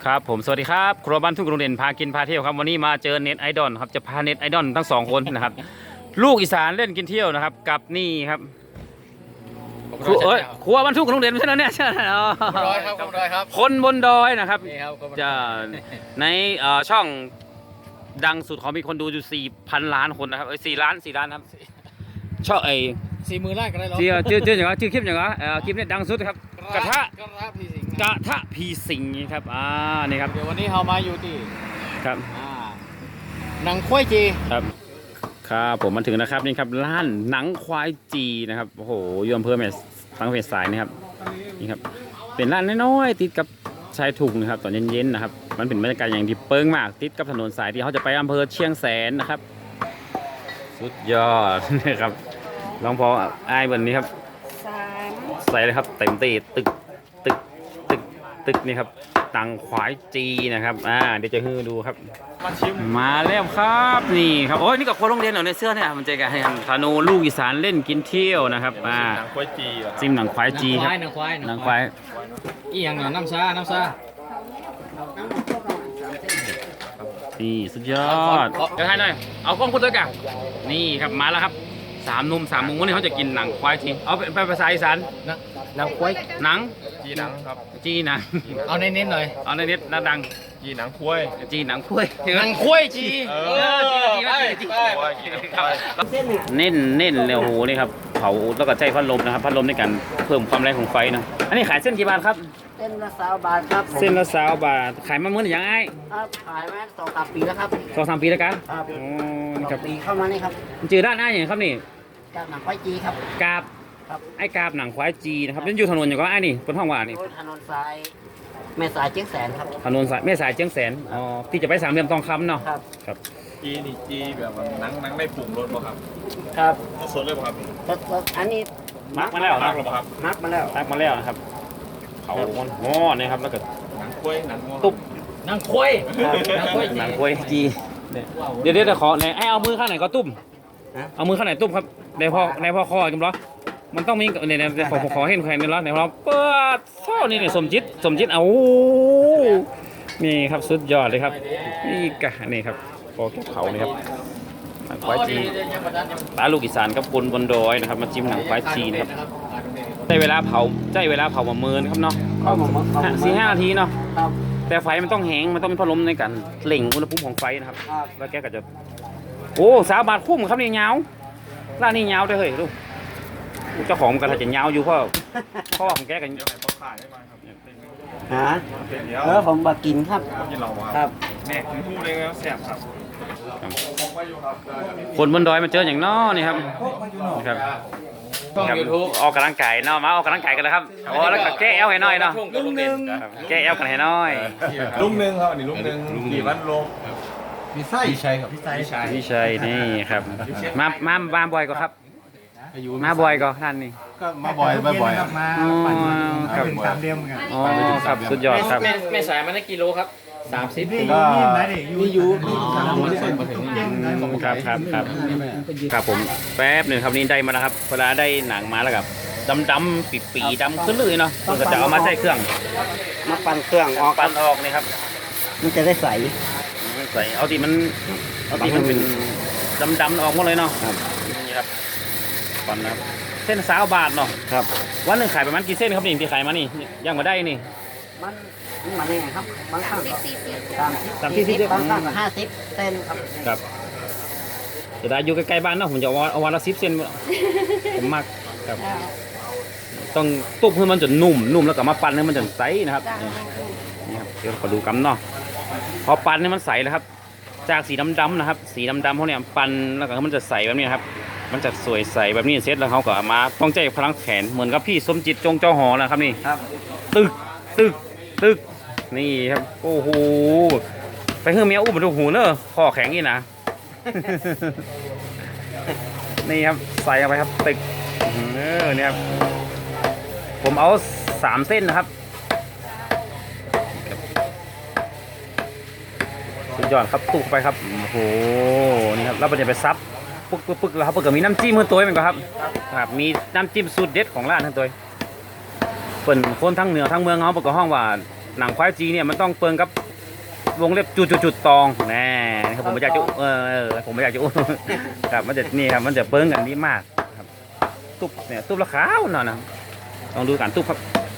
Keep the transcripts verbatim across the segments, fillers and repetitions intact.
ครับผมสวัสดีครับครัวบ้านทุ่งกรุงเด่นพากินพาเที่ยวครับวันนี้มาเจอเน็ตไอดอลครับจะพาเน็ตไอดอลทั้งสองคนนะครับลูกอีสานเล่นกินเที่ยวนะครับกับนี่ครับครัวเอ้ยครัวบ้านทุ่งกรุงเด่นใช่ไหมเนี่ยใช่ไหมอ๋อดอยครับคนดอยครับคนบนดอยนะครับนี่ครับคนบนดอยจะในเอ่อช่องดังสุดของมีคนดูอยู่สี่พันล้านคนนะครับเอ้ยสี่ล้านสี่ล้านครับช่องไอสี่มือไล่กันได้หรอชื่อชื่อชื่ออย่างไรชื่อคลิปอย่างไรเอ่อคลิปนี้ดังสุดครับกระทะกระทะพี่สิงห์กระทะพีสิงห์ครับอ่านี่ครับเดี๋ยววันนี้เรามาอยู่ที่ครับอ่าหนังควายจีครับครับผมมาถึงนะครับนี่ครับร้านหนังควายจีนะครับโอ้โหอยอำเภอแม่สังเวียนสายนะครับนี่ครับเป็นร้านน้อยๆติดกับชายทุ่งนะครับตอนเย็นๆนะครับมันเป็นบรรยากาศอย่างที่เปิ้งมากติดกับถนนสายที่เขาจะไปอำเภอเชียงแสนนะครับสุดยอด นะครับลองพอไอ้ายบนนี้ครับสามใส่เลยครับเต็มตีตึกตึกตึกตึกนี่ครับตังควายจีนะครับอ่าเดี๋ยวจะให้ดูครับมาชิมมาแล้วครับนี่ครับโอ้ยนี่กับคนโรงเรียนเหรอในเสื้อเนี่ยมันเจอกันให้กันธนูลูกอีสานเล่นกินเที่ยวนะครับอ่าหนังควายจีเหรอครับจิ้มหนังควายจีครับหนังควายหนังควายอีหยังเหรอน้ำซาน้ำซานี่สุดยอดเดี๋ยวให้หน่อยเอากล้องพูดด้วยกันนี่ครับมาแล้วครับสามหนุ่มสามมุมวันนี้เขาจะกินหนังควายจีเอาเป็นภาษาอีสานหนังควายหนังจีหนังครับจีหนังเอาเน้นๆหน่อยเอาในเน็ตน่าดังจีหนังควายจีหนังควายหนังควายจีเอเอออจีนะจีนะจีควายจีหนังควายเน้นเน้นเลยโอ้โหนี่ครับเผาแล้วก็ใช้พัดลมนะครับพัดลมในการเพิ่มความแรงของไฟนะอันนี้ขายเส้นกี่บาทครับเส้นละสามบาทครับผมเส้นละสามบาทขายมาเมื่อไหร่ยังไงครับขายมาสองสามปีแล้วครับสองสามปีแล้วกันครับอ๋อนี่สคอรับงปีเข้ามานี่ครับมันจือด้านหน้าอย่างครับนี่จากหนังควายจีครับกาบครับไอ้กาบหนังควายจีนะครับนั่นอยู่ถนนอย่างก็ไอ้นี่บนห้องว่านี่โดยถนนสายแม่สายเชียงแสนครับถนนสายแม่สายเชียงแสนอ๋อที่จะไปสามเหลี่ยมทองคำเนาะครับครับจีนี่จีแบบว่าหนังหนังไม่ปรุงรสป่ะครับครับสดเลยป่ะครับแล้วแล้วอันนี้มักมาแล้วหนันะงหรอป่ะครับมักมาแล้วมักมาแล้วนะครับเขามันงอนะครับแล้วก็หนังควายหนังงัวตุ๊บหนังควายหนังควายจีหนังควายจีเนี่ยเดี๋ยวเดี๋ยวจะขอไหนไอ้เอามือข้างไหนก็ตุ้มเอามือข้างไหนตุ้มครับในพ่อในพ่อคอกันเหรอมันต้องมีเนี่ยเนี่ยขอขอเห็นแขนนี่เหรอไหนเราเปิดเท่านี่เนี่ยสมจิตสมจิตเอานี่ครับสุดยอดเลยครับนี่กะนี่ครับพอแก้เขานี่ครับหนังควายจีตาลูกอีสานกับบนบนดอยนะครับมาจิ้มหนังควายจีนะครับได้เวลาเผาได้เวลาเผามาเมินครับเนาะเข้ามาเข้ามาสี่ห้านาทีเนาะครับแต่ไฟมันต้องแห้งมันต้องมีพัดลมในการเล่งอุณหภูมิของไฟนะครับครับแล้วแกก็จะโอ้สาวบาทคุ้มครับนี่ยาวร้านนี้ยาวได้อเฮ้ยดูเจ้าของมันก็ถ้าจะยาวอยู่เพราะเพราะว่าของแกกันเดี๋ยวให้เขาขายได้ไหมครับเนี่ยเป็นฮะเป็นเดียวเออผมมากินครับกินเราคครัรับบ แม่ถึงพูดเลยแล้วแซ่บครับผมไปอยู่ครับคนบนดอยมาเจออย่างน้อนี่ครับนี่ครับช่องครับยูทูบออกกำลังกายเนาะมาออกกำลังกายกันเลยครับโอ้แล้วก็แก้เอวให้หน่อยเนาะลุงหนึ่งครับแก้เอวกันให้หน่อยลุงหนึ่งครับอันนี้ลุงหนึ่งกี่วันลงพี่ไส้พี่ชัยครับพี่ไส้พี่ชัยนี่ครับมามามาบ่อยก็ครับมาบ่อยก็ท่านนี่ก็มาบ่อยบ่อยๆมาอ๋อครับเป็นตามเรียมกันอ๋อครับสุดยอดครับแม่แม่สายมันได้กิโลครับสามสิบก็มีอยู่มีอ๋อมันส่งมาถึงครับครับครับครับผมแป๊บหนึ่งครับนี่ได้มาแล้วครับเวลาได้หนังมาแล้วครับดำดำปีปีดำขึ้นเลยเนาะมันก็จะเอามาใส่เครื่องมาปั่นเครื่องออกปั้นออกนี่ครับมันจะได้ใสใส่เอาที่มันเอาที่มันเป็นดำดำออกหมดเลยเนาะนี่ครับปั้นนะครับเส้นสาวบาทเนาะครับวันหนึ่งขายประมาณกี่เส้นครับนี่ที่ขายมานี่ย่างมาได้นี่มันมันมาเนี่ยครับบางครั้งก็สามสิบสามสิบสี่สิบบางครั้งก็ห้าสิบเส้นครับครับจะได้อยู่ใกล้ๆบ้านเนาะผมจะเอาเอาวันละสิบเส้นผมมากครับต้องตุ้มให้มันจนนุ่มนุ่มแล้วก็มาปั้นให้มันจนใสนะครับนี่ครับเดี๋ยวขอดูกำเนาะพอปั้นให้มันใสแล้วครับจากสีดำๆนะครับ สีดำๆพวกเนี้ยปั้นแล้วก็มันจะใสแบบนี้ครับมันจะสวยใสแบบนี้เสร็จแล้วเขาก็เอามาต้องใจพลังแขนเหมือนกับพี่สมจิตจงเจ้าหอนะครับนี่ครับตึกตึกตึกนี่ครับโอ้โหไปเฮือเมียอุ้มมาดูหูเนอะคอแข็งนี่นะ นี่ครับใส่เข้าไปครับตึกเออเนี่ยครับผมเอาสามเส้นนะครับสุดยอดครับตุกไปครับโอ้โหนี่ครับแล้วมันจะไปซับปึ๊กปึ๊กปึ๊กแล้วครับเปิดก็มีน้ำจิ้มเพื่อตัวเหมือนกันครับครับมีน้ำจิ้มสูตรเด็ดของร้านทั้งตัวเปิ่นคนทั้งเหนือทั้งเมืองเขาเปิดก็ห้องว่าหนังควายจีเนี่ยมันต้องเปิงกับวงเล็บจุดจุดจุดตองแน่ครับผมไม่อยากจะเออเออผมไม่อยากจะอู้ ครับมันจะนี่ครับมันจะเปิงกันดีมากครับตุ๊บเนี่ยตุ๊บละขาวหน่อยนะลองดูการตุ๊บครับ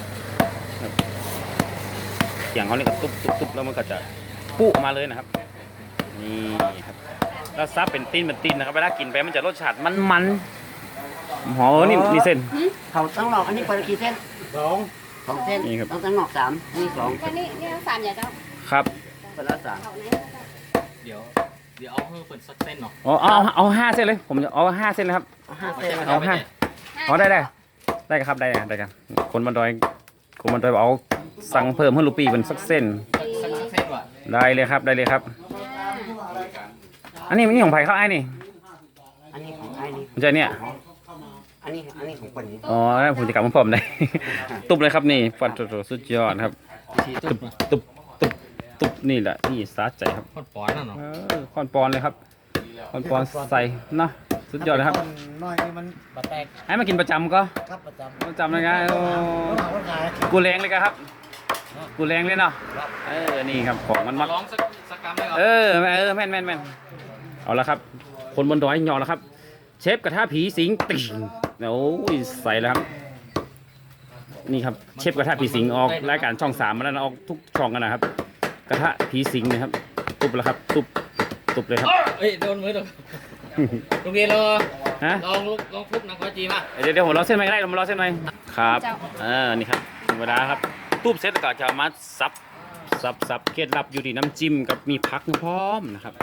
เสียงเขาเนี่ยก็ตุ๊บตุ๊บตุ๊บแล้วมันก็จะปุ๊ออกมาเลยนะครับนี่ครับแล้วซับเป็นตีนเป็นตีนนะครับเวลากินไปมันจะรสชาติมันมันหอมนี่นี่เส้นเขาต้องหลอกอันนี้คนละกี่เส้นสองสองเส้นนี่ครับต้องตั้งหลอกสามนี่สองวันนี้นี่สามอย่างเจ้าครับคนละสามเขาไหนเดี๋ยวเดี๋ยวเอาเพิ่มเป็นสักเส้นเนาะอ๋อเอาเอาห้าเส้นเลยผมจะเอาห้าเส้นเลยครับเอาห้าเส้นนะคเอารับห้าอ๋อได้ได้ได้ครับได้ได้ครับคนบันดอยคนบันดอยบอกเอาสั่งเพิ่มให้ลูกปีเป็นสักเส้นสักสักเส้นว่ะได้เลยครับได้เลยครับ อันนี้มันนี่ของไผ่เขาไอ้นี่อันนี้ของไอ้นี่มันจะเนี่ยอันนี้อันนี้ของคนนี้อ๋อผมจะกลับมาพร้อมได้ ตุบเลยครับนี่ฟันโตๆสุดยอดครับทีตุตุ๊บบ ตุบตุบตุบนี่แหละนี่สาใจครับพอดปอนน่ะเนาะเออคอนปอนเลยครับคอนปอนใส่เนาะสุดยอดเลยครับน้อยนี่มันบาแตกให้มากินประจำก็ครับประจำประจำเลยไงโอ้คนขายกูแรงเลยครับ กูแรงเลยเนาะเออนี่ครับของมันมักร้องสักสักกรัมได้ครับเออเออแม่นแม่นแม่นเอาละครับ คนบนดอยยอแล้วครับ เชฟกระทะผีสิงติ่งโอ้ยใส่แล้วครับนี่ครับเชฟกระทะผีสิงออกรายการช่องสามมาแล้วนะออกทุกช่องกันนะครับ กระทะผีสิงนะครับตุบแล้วครับตุบตุบเลยครับเอ้ยโดนมือโดนโรงเรียนเราฮะลองลุกลองทุบนักควายจีมาเดี๋ยวเดี๋ยวผมรอเส้นไหมก็ได้ผมรอเส้นไหมครับเออนี่ครับธรรมดาครับตุบเสร็จแล้วก็จะเอามาซับซับซับเคล็ดลับอยู่ที่น้ำจิ้มกับมีผักพร้อมนะครับ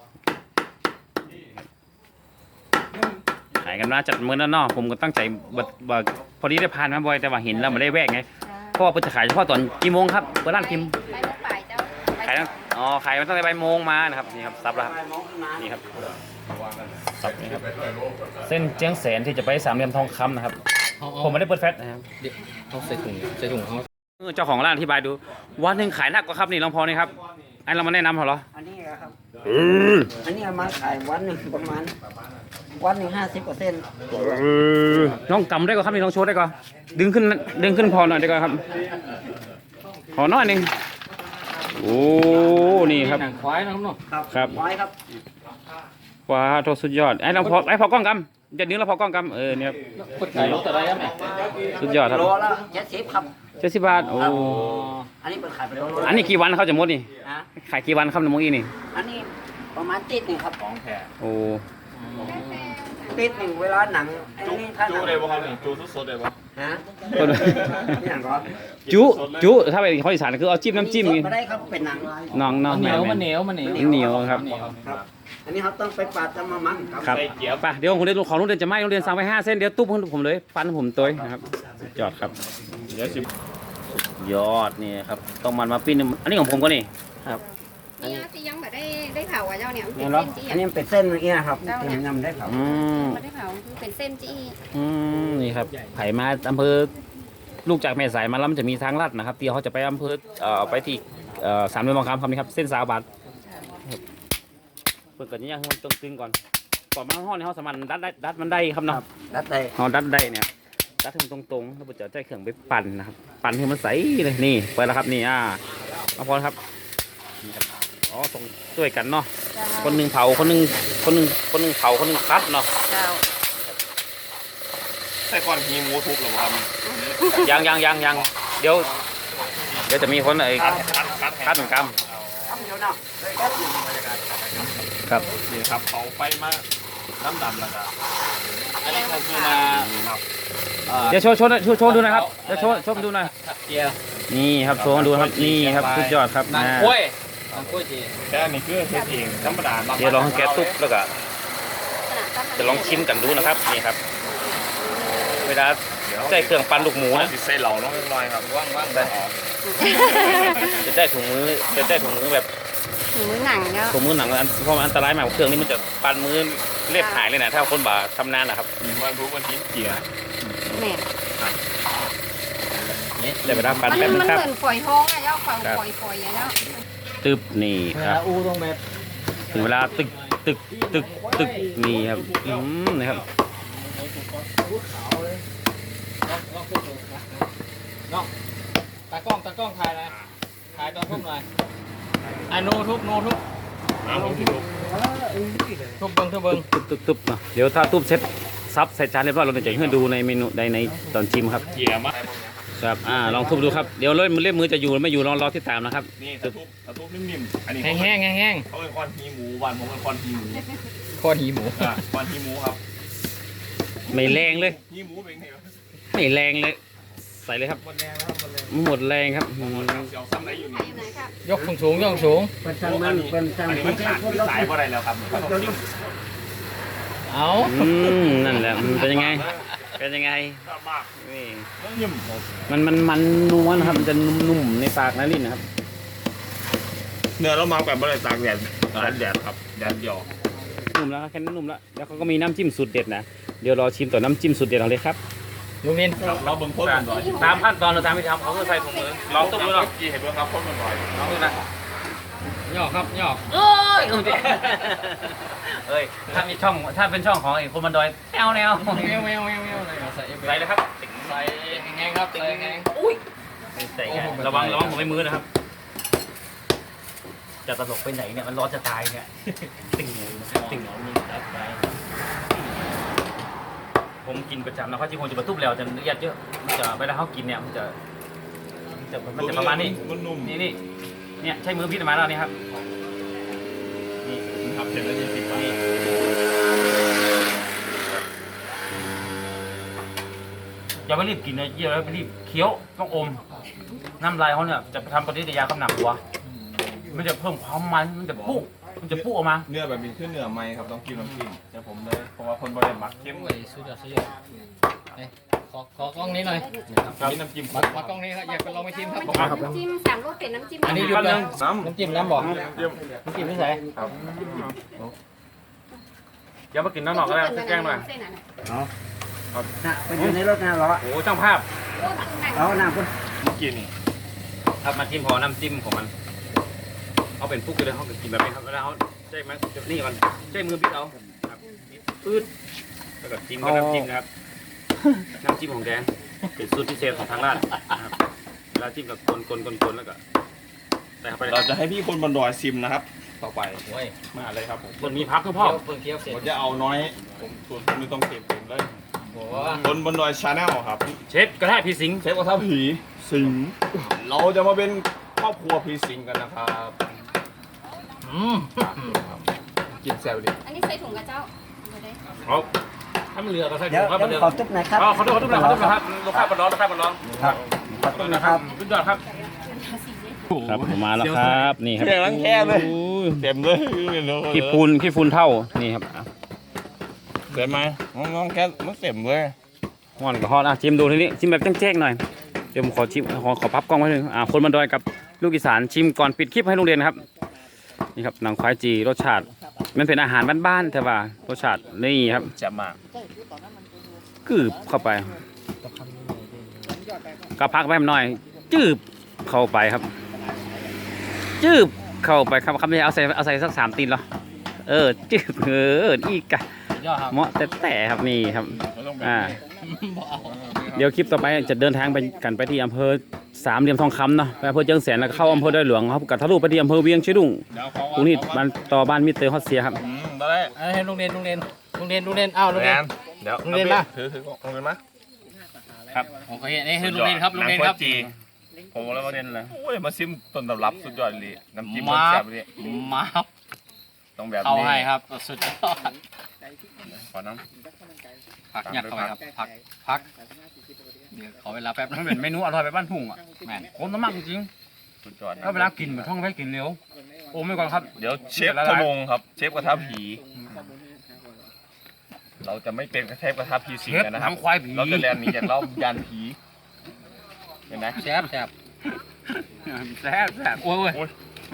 ขายกันมาจัดมื้อนั้นเนาะผมก็ตั้งใจบัดบัดพอดีได้ผ่านมาบ่อยแต่ว่าเห็นแล้วไม่ได้แวะไงเพราะว่าเพิ่นจะขายเฉพาะตอนกี่โมงครับเปิดร้านกิมไปมุกป่ายเจ้าขายตั้งอ๋อขายมาตั้งแต่บ่ายโมงมานะครับนี่ครับซับแล้วครับนี่ครับซับนี่ครับเส้นเจียงแสนที่จะไปสามเหลี่ยมทองคำนะครับเอาผมไม่ได้เปิดแฟลชนะครับเดี๋ยวเอาใส่ถุงใส่ถุงเขาเออเจ้าของร้านอธิบายดูวันหนึ่งขายหนักกว่าครับนี่ลองพอนี่ครับไอ้เรามาแนะนำเขาเหรออันนี้นะครับอันนี้เอามาขายวันหนึ่งประมาณวันหนึ่งห้าสิบเปอร์เซ็นต์น้องกำได้ก็ครับนี่น้องโชว์ได้ก็ดึงขึ้นดึงขึ้นพอหน่อยได้ก็ครับขอหน่อยหนึงโอ้นี่ครับหนังควายนะครับเนาะครับครับไว้ครับว้าวโทษสุดยอดไอ้เราพอไอ้พอกล้องกำจะดึงเราพอกล้องกำเออเนี่ยครับคนขายรถอะไรครับแม่สุดยอดครับโลละเจ็ดสิบครับเจ็ดสิบบาทโอ้อันนี้เป็นขายเป็นโลละอันนี้กี่วันเขาจะหมดนี่นะขายกี่วันครับน้ำมงอีนี่อันนี้ประมาณติดหนึ่งครับของแท้โอ้ติดหนึ่งเวลาหนังไอ้นี่ถ้าหนังได้ป่ะครับจูสดๆได้ป่ะฮะคนนี่อย่างก่อนจุจุถ้าเป็นคนอีสานคือเอาจิ้มน้ำจิ้มนี่นี่ไม่ได้ครับเป็นหนังน้องน้องเหนีแม่ยวแม่มันเหนียวมันเหนียวมันเหนียวครับครับ อันนี้เขาต้องไปปาดจะมามันครับครับไปเดี๋ยวผมเรียนของโรงเรียนจะไม่โรงเรียนสั่งไปห้าเส้นเดี๋ยวตุ๊บให้ผมเลยปั้นให้ผมตัวนะครับสุดยอดครับเดี๋ยวสิยอดนี่ครับต้องมันมาปิ้นอันนี้ของผมก็นี่นี่ที่ยังไม่ได้ได้เผาอ่ะเจ้าเนี่ยเป็นเนี่ยเหรอเส้นจี้อันนี้มันเป็นเส้นเมื่อกี้นะครับที่นำได้ครับอืมไม่ได้เผาคือเป็นเส้นจี้อืมนี่ครับไผ่มาอำเภอลูกจากแม่สายมาแล้วมันจะมีทางลัดนะครับที่เขาจะไปอำเภอเอ่อไปที่เอ่อสามเหลี่ยมทองคำครับนี่ครับเส้นสาวบาทครับเปิดก่อนนี่ยังให้มันตึงๆก่อนก่อนมาห้องนี่เขาสามารถดัดได้ดัดมันได้ครับเนาะรัดได้เขาดัดได้เนี่ยดัดให้มันตรงๆแล้วผมจะใช้เครื่องไปปั่นนะครับปั่นให้มันใสเลยนี่เปิดแล้วครับนี่อ่ามาพอครับนี่ครับอ๋อตรงช่วยกันเนาะเจ้าคนหนึ่งเผาคนหนึ่งคนหนึ่งคนหนึ่งเผาคนหนึ่งคัดเนาะเจ้าใส่ก้อนฮีหมูทุบหรือเปล่าครับยังยังยังยังเดี๋ยวเดี๋ยวจะมีคนไอ้คัดคัดคัดคัดเหมือนกันครับเดี๋ยวเนาะเลยครับครับนี่ครับเขาไปมาน้ำดำแล้วก็อันนี้ก็คือมาครับเดี๋ยวโชว์โชว์โชว์โชว์ดูหนะครับเดี๋ยวโชว์โชว์ดูหน่อยขับเกียร์นี่ครับโชว์ดูครับนี่ครับสุดยอดครับหนังอ่ากล้วยหนังกล้วยจีแต่อันนี้คือเทสเองธรรมดาเดี๋ยวลองให้แกะตุ๊บแล้วก็จะลองชิมกันดูนะครับนี่ครับเวลาใช้เครื่องปั้นลูกหมูนะสิใส่เหล่าน้องเล็กน้อยครับว่างว่างได้จะได้ถุงมือจะได้ถุงมือแบบหมูหนังเนาะถุงมือหนังอันเพราะมันอันตรายมากเครื่องนี้มันจะปั้นมือเล็บหายเลยนะถ้าคนบ่าทำนานนะครับมันรู้วันที่เกียร์แม่ได้เวลาปั้นมันแป๊บนึมังนครับเหมือนฝอยทองอะเจ้าฝอยฝอยฝอยอะเนาะตึบนี่ครับอูตรงแบบถึงเวลาตึกตึกตึกตึกนี่ครับอืมนะครับน้องตากล้องตากล้องถ่ายนะถ่ายตอนทุบหน่อยไอ้โนทุบโนทุบทุบเบิ้งทุบเบิ้งตุ๊บตุ๊บตุ๊บเนาะเดี๋ยวถ้าตุ๊บเสร็จซับใส่จานเรียบร้อยเราจะให้ดูในเมนูในในตอนชิมครับเยี่ยมมากครับอ่าลองทุบดูครับเดี๋ยวเล่มเล่มมือจะอยู่หรือไม่อยู่รอรอที่ตามนะครับนี่ตะทุบตะทุบนิ่มๆอันนี้แห้งแห้งแห้งแห้งเขาเป็นคอนฮีหมูวันผมเป็นคอนฮีหมูข้อหีหมูอ่ะคอนฮีหมูครับไม่แรงเลยฮีหมูเป็นไงวะไม่แรงเลย ใส่เลยครับหมดแรงแล้วครับหมดแรงหมดแรงครับอืมเสียวซ้ำไหนอยู่ไปนี่ไหนครับยกสูงสูงยกสูงเป็นช่างมันเป็นช่างอันนี้มัมัน นขาดที่สายเพราะอะไรแล้วครับมันต้องกินเอาอืมนั่นแหละมันเป็นยังไงเป็นยังไงมากนี่นิ่มมันมันมันนัวนะครับมันจะนุ่มๆในปากนะลิ้นนะครับเนื้อเรามาแบบไม่ได้ตากแดดตากแดดครับแดดเดียวนุ่มแล้วแค่นั้นนุ่มแล้วแล้วเขาก็มีน้ำจิ้มสูตรเด็ดนะเดี๋ยวรอชิมต่อน้ำจิ้มสูตรเด็ดเอาเลยครับลุงนินเราเบิ่งโคตรมันหน่อยตามขั้นตอนเราตามที่ทำเขาก็ใส่ถุงมือลองตุ้มดูหน่อยกี่เห็นเบิ่งครับโคตรมันหน่อยลองดูนะย่อครับย่อเอ้ยเอ้ยถ้ามีช่องถ้าเป็นช่องของไอ้คนบันดอยแนวแนวแมวแมวแมวแมวเลยใส่เอฟเฟใส่กต์เลยครับใส่แห้งครับใส่แห้งใส่ไงระวังระวังผมไม่มือนะครับ จะตลกไปไหนเนี่ยมันร้อนจะตายเนี่ยติ่งติ่งผมกินประจำนะเขาจริงผมจะมาทุบแล้วจะละเอียดเยอะมันจะเวลาเขากินเนี่ยมันจะมันจะมันจะประมาณนี้มันนุ่มนี่นี่เนี่ยใช้มือพี่มาแล้วนี่ครับนี่ครับเห็นแล้วยี่สิบบาทนี่อย่าไปรีบกินนะอย่าไปรีบเคี้ยวต้องอมน้ำลายเขาเนี่ยจะทำปฏิกิริยากับหนังหัวมันจะเพิ่มความมันมันจะปุ๊มันจะปุ๊ออกมาเนื้อแบบนี้ขึ้นเนื้อไหมครับต้องกินน้ำจิ้มแต่ผมเลยเพราะว่าคนบริเวณมักเข้มโอ้ยสุดยอดสุดยอดนี่ขอขอกล้องนี้หน่อยกินน้ำจิ้มมามากล้องนี้ครับอยากไปลองไปชิมครับน้ำจิ้มสามรสเป็นน้ำจิ้มอันนี้หยุดเลยน้น้ำจิ้มน้ำบอกำจิ้มน้ำจิ้มไม่ใส่ครับเดี๋ยวมากินน้ำหนอกก็ได้แกล้งหน่อยเส้นอะไรน่ะไปอยู่ในรถนะเหรอโอ้ช่างภาพเอาหน้าคุณกินครับมาจิ้มพอน้ำจิ้มของมันเขาเป็นฟุกเลยเขากินแบบนี้ครับแล้วเขาใช่ไหมนี่มันใช้มือพี่เอาครับปื๊ดแล้วก็จิ้มกับน้ำจิ้มนะครับน้ำจิ้มของแกเป็นสูตรพิเศษของทางร้านนะครับเวลาจิ้มกับคนคนคนคนแล้วก็ใส่เข้าไปเราจะให้พี่คนบนดอยซิมนะครับ ต่อไปโอ้ยมาเลยครับผมคนมีพักทุกพ่อเพิ่งเคี้ยวเสร็จผมจะเอาน้อยผมส่วนผมไม่ต้องเก็บเต็มเลยโอ้คนบนดอยชาแนลครับเชฟกระทะพี่สิงห์เชฟกระทะผีสิงเราจะมาเป็นครอบครัวผีสิงกันนะครับอืมกินแซวดิอันนี้ใส่ถุงกระเจ้าเขาถ้ามันเรือก็ใส่ถุเดี๋ยวงครับเดี๋ยวเรือขอตุ๊บหน่อยครับอ๋อเขาดูเขาดูเขาดูนะครับลูกค้าบอลร้อนลูกค้าบอลร้อนครับขอตุ๊บนะครับสุดยอดครับครับมาแล้วครับนี่ครับเสียงรังแคเลยเต็มเลยขี้ฟูนขี้ฟูนเท่านี่ครับเต็มไหมน้องแค่มันเต็มเลยห่อนกับฮอตอ่ะชิมดูทีนี้ชิมแบบแจ้งๆหน่อยเดี๋ยวผมขอชิมขอขอพับกล้องไว้หนึ่งอ่าคนบันดอยกับลูกอีสานชิมก่อนปิดคลิปให้โรงเรียนครับนี่ครับหนังควายจีรสชาติมันเป็นอาหารบ้านๆแต่ว่ารสชาตินี่ครับจะมากกืบเข้าไปก็พักไว้หน่อย จืบเข้าไปครับ จืบเข้าไปครับคำนี้เอาใส่เอาใส่สักสามตีนเหรอเออจืบเอออีกอะยอดครับเหมาะแต่แต่ครับนี่ครับไม่ต้องแบบอ่าบ่เอาเดี๋ยวคลิปต่อไปจะเดินทางไปกันไปที่อำเภอสามเหลี่ยมทองคำเนาะไปอำเภอเชียงแสนแล้วก็เข้าอำเภอดอยหลวงครับกับทะลุไปที่อำเภอเวียงเชียงดุงเดี๋ยวขอกรุงนี้บ้านต่อบ้านมิสเตอร์ฮอตเซียครับอืมได้เอาให้ลุงเรียนลุงเรียนลุงเรียนลุงเรียนอ้าวลุงแมเรียนนเดี๋ยวโรงเรียนปะถือถือโรงเรียนมาโอเคนี่คือลุงเรียนครับลุงเรียนครับจีผมแล้วมาเรียนเลยโอ้ยมาซิมต้นตำรับสุดยอดเลยน้ำจิ้มมาแซ่บเลยมาครับต้องแบบเข้านี้ให้ครับสุดยอดขอน้ผักหยัดเข้าไปครับผักผักเดี๋ยวขอเวลาแป๊บมันะนเป็นเมนูอร่อยแบบบ้านทุ่งอ่ะแม่นผมน้ำมันจริงำสุดยอดๆนะแล้วเวลากินเหมือนท่องไว้กินเร็วโอ้ไม่ก่อนครับเดี๋ยวเชฟทะลงครับ เชฟกระทะผี เราจะไม่เป็นเชฟกระทะผีสิงเชฟกันนะครับทำควายผีเราจะแลนหนีจากเรายานผีเห็นไหมแซ่บแซ่บแซ่บแซ่บโอ้ยโอ้ยโอ้ย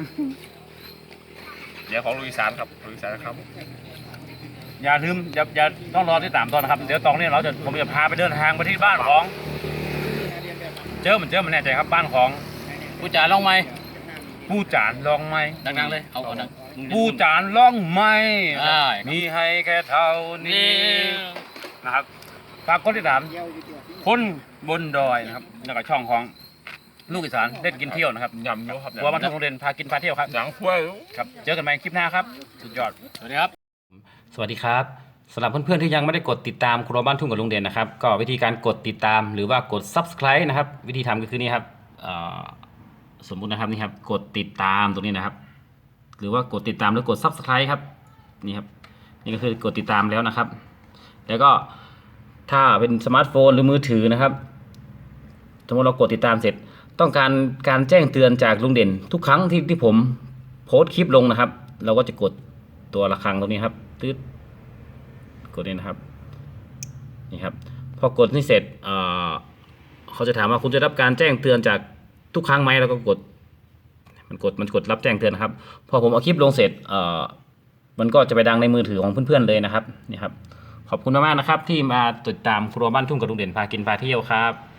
เดี๋ยวของลุยสานครับลุยสานครับอย่าลืมอย่าอย่าต้องรอที่สามตอนนะครับ เดี๋ยวตอนนี้เราจะผมจะพาไปเดินทางไปที่บ้านของ เจอเหมือนเจอมันแน่ใจครับบ้านของกูจ๋าลองไหมผู้จานลองไหมดังๆเลยเอาก่อนนะผู้จานลองไหมอ่ามีให้แค่เท่านี้นี่นะครับฝากคนที่สามคนบนดอยนะครับแล้วก็ช่องของลูกอีสานเล่นกินเที่ยวนะครับยำเยอะครับครัวบ้านทุ่งโรงเรียนพากินพาเที่ยวครับหนังถ้วยครับเจอกันใหม่คลิปหน้าครับสุดยอดสวัสดีครับสวัสดีครับสำหรับเพื่อนๆที่ยังไม่ได้กดติดตามครัวบ้านทุ่งกับลุงเด่นนะครับก็วิธีการกดติดตามหรือว่ากด ซับสไครบ์ นะครับวิธีทำก็คือนี่ครับเอ่อสมมุตินะครับนี่ครับกดติดตามตรงนี้นะครับ หรือว่ากดติดตามหรือกด ซับสไครบ์ ครับนี่ครับนี่ก็คือกดติดตามแล้วนะครับ แล้วก็ถ้าเป็นสมาร์ทโฟนหรือมือถือนะครับสมมติเรากดติดตามเสร็จ ต้องการการแจ้งเตือนจากลุงเด่นทุกครั้งที่ที่ผมโพสต์คลิปลงนะครับ เราก็จะกดตัวระฆังตรงนี้ครับตืดกดนี่นะครับนี่ครับพอกดนี่เสร็จเอ่อเขาจะถามว่าคุณจะรับการแจ้งเตือนจากทุกครั้งไหมแล้วก็กดมันกดมันกดรับแจ้งเตือนนะครับพอผมเอาคลิปลงเสร็จเอ่อมันก็จะไปดังในมือถือของเพื่อนๆเลยนะครับนี่ครับขอบคุณมากๆนะครับที่มาติดตามครัวบ้านทุ่งกับลุงเด่นพากินพาเที่ยวครับ